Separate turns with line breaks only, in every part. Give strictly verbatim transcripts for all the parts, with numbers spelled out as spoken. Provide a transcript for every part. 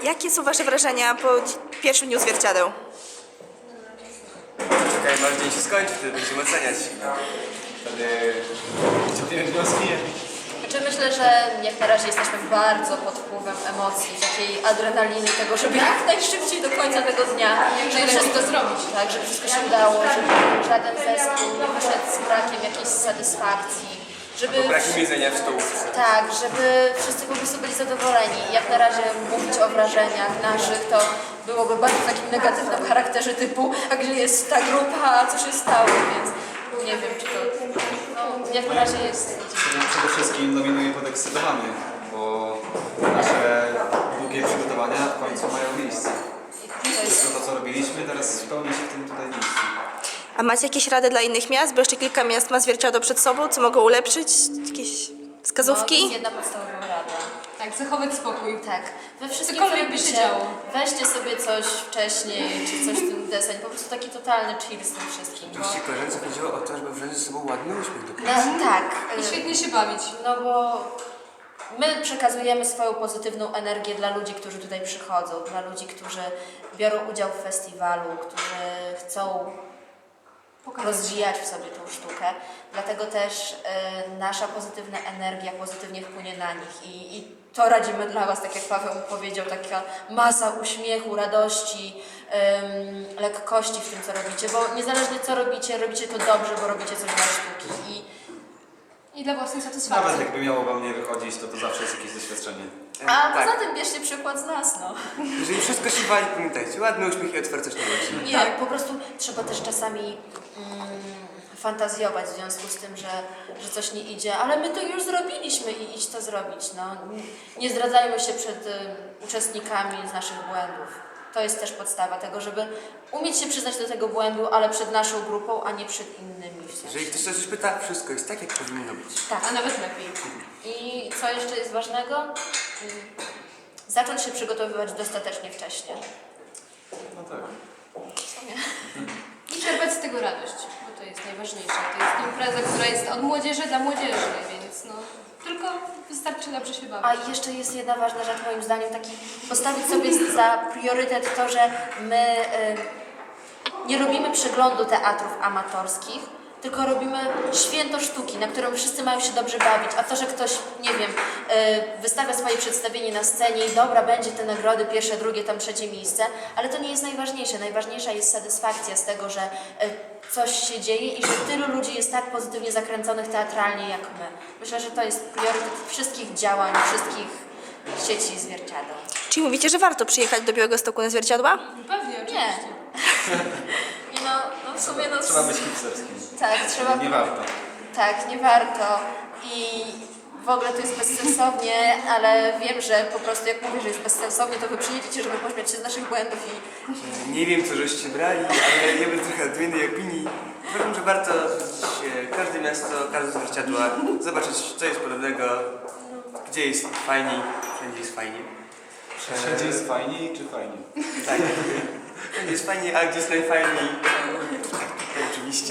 jakie są wasze wrażenia po pierwszym dniu zwierciadeł?
Czekaj, aż dzień się skończy, wtedy będziemy oceniać. Wtedy wyciągniemy wnioski.
Znaczy myślę, że jak na razie jesteśmy bardzo pod wpływem emocji, takiej adrenaliny, tego, żeby jak najszybciej do końca tego dnia, żeby wszystko zrobić, tak, żeby wszystko się udało, żeby żaden zespół nie wyszedł z brakiem jakiejś satysfakcji, żeby...
Bo brakiem jedzenia w stołówce.
Tak, żeby wszyscy po prostu byli zadowoleni. Jak na razie mówić o wrażeniach naszych, to byłoby bardzo w takim negatywnym charakterze typu, a gdzie jest ta grupa, a co się stało, więc nie wiem, czy to... No, jak na razie jest...
Przede wszystkim dominuje podekscytowany, bo nasze długie przygotowania w końcu mają miejsce. Wszystko to, co robiliśmy, teraz spełni się w tym tutaj miejscu.
A macie jakieś rady dla innych miast? Bo jeszcze kilka miast ma zwierciadło przed sobą, co mogą ulepszyć? Jakieś
No, to
wskazówki?
jest jedna podstawowa rada.
Tak, zachować spokój.
Tak, we wszystkim
Cokolwiek
co
by się
robicie,
działo.
weźcie sobie coś wcześniej, czy coś w tym deseń, po prostu taki totalny chill z tym wszystkim. Bo...
Oczywiście koleżance chodziło o to, żeby wziąć ze sobą ładny uśmiech do
No,
pracy.
tak,
I
y,
świetnie się bawić.
no bo my przekazujemy swoją pozytywną energię dla ludzi, którzy tutaj przychodzą, dla ludzi, którzy biorą udział w festiwalu, którzy chcą rozwijać w sobie tą sztukę. Dlatego też y, nasza pozytywna energia pozytywnie wpłynie na nich i, i to radzimy dla Was, tak jak Paweł powiedział, taka masa uśmiechu, radości, ym, lekkości w tym, co robicie, bo niezależnie co robicie, robicie to dobrze, bo robicie coś dla sztuki i
I dla własnej
Nawet
satysfakcji.
jakby miało wam nie wychodzić, to to zawsze jest jakieś doświadczenie.
a
tak.
poza tym bierzcie przykład z nas, no.
Jeżeli wszystko się wali, pamiętajcie, ładny uśmiech i otwartość na ludzi.
Nie, po prostu trzeba też czasami mm, fantazjować w związku z tym, że, że coś nie idzie, ale my to już zrobiliśmy i idź to zrobić. No. Nie zdradzajmy się przed y, uczestnikami z naszych błędów. To jest też podstawa tego, żeby umieć się przyznać do tego błędu, ale przed naszą grupą, a nie przed innymi. W sensie.
Jeżeli ktoś coś pyta, wszystko jest tak, jak powinno być.
Tak.
A nawet lepiej.
I co jeszcze jest ważnego? Mm, Zacząć się przygotowywać dostatecznie wcześnie.
No tak.
I czerpać z tego radość, bo to jest najważniejsze. To jest impreza, która jest od młodzieży dla młodzieży, więc no, tylko wystarczy dobrze się bawić.
A jeszcze jest jedna ważna rzecz moim zdaniem, taki postawić sobie za priorytet to, że my y, nie robimy przeglądu teatrów amatorskich, tylko robimy święto sztuki, na którym wszyscy mają się dobrze bawić, a to, że ktoś, nie wiem, y, wystawia swoje przedstawienie na scenie i dobra, będzie te nagrody, pierwsze, drugie, tam trzecie miejsce, ale to nie jest najważniejsze. Najważniejsza jest satysfakcja z tego, że y, coś się dzieje i że tylu ludzi jest tak pozytywnie zakręconych teatralnie jak my. Myślę, że to jest priorytet wszystkich działań, wszystkich sieci zwierciadeł.
Czyli mówicie, że warto przyjechać do Białegostoku na zwierciadła?
Pewnie,
Nie.
oczywiście.
I no, no w sumie no...
Trzeba być hipsterskim.
Tak, trzeba...
Nie warto.
Tak, nie warto. I w ogóle to jest bezsensownie, ale wiem, że po prostu jak mówię, że jest bezsensownie, to wy przyjedziecie, żeby pośmiać się z naszych błędów i
Nie wiem, co żeście brali, ale ja bym trochę odmiennej opinii. Uważam, że warto odwiedzić każde miasto, każde zwierciadło, zobaczyć, co jest podobnego, gdzie jest fajniej, wszędzie jest fajnie.
Wszędzie jest fajniej czy fajnie?
Tak, wszędzie jest fajniej, a gdzie jest najfajniej? Tak, tak, oczywiście.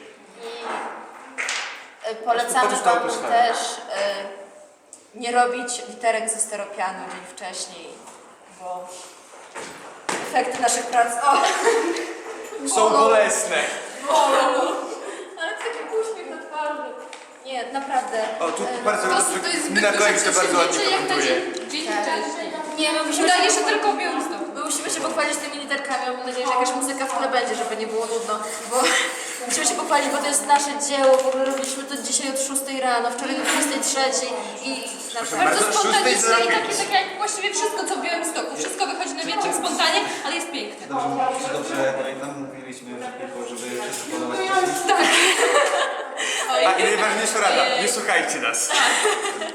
I y, polecamy
Poczuć tą
wam
atmosferę.
też y, nie robić literek ze steropianu dzień wcześniej, bo efekty naszych prac... O!
Są bolesne.
Ale taki uśmiech na twarzy. Nie, naprawdę.
O, tu
y,
bardzo
To,
dobrze,
to jest
Mina
zbyt
Kolik to
duże
bardzo ładnie
przedsięwzięcie, jak na
komentuje.
dzień, dzień
Tak.
wcześniej.
Nie, my musimy
Udaje
się
się tylko Białystok.
My musimy się pochwalić tymi literkami, mam nadzieję, że jakaś muzyka w tle będzie, żeby nie było nudno, bo musimy się pochwalić, bo to jest nasze dzieło, w ogóle robiliśmy to dzisiaj od szóstej rano, wczoraj do dwudziestej trzeciej i naprawdę...
Bardzo
Bardzo
spontaniczne
szóstej
i takie,
zrobić.
takie jak właściwie wszystko, co w Białymstoku. Wszystko wychodzi na wiecznym spontanie, ale jest piękne.
Dobrze, czy dobrze pamiętam, mówiliśmy, że tylko, żeby wszyscy podobać wcześniej.
Tak.
A i najważniejsza rada, nie słuchajcie nas.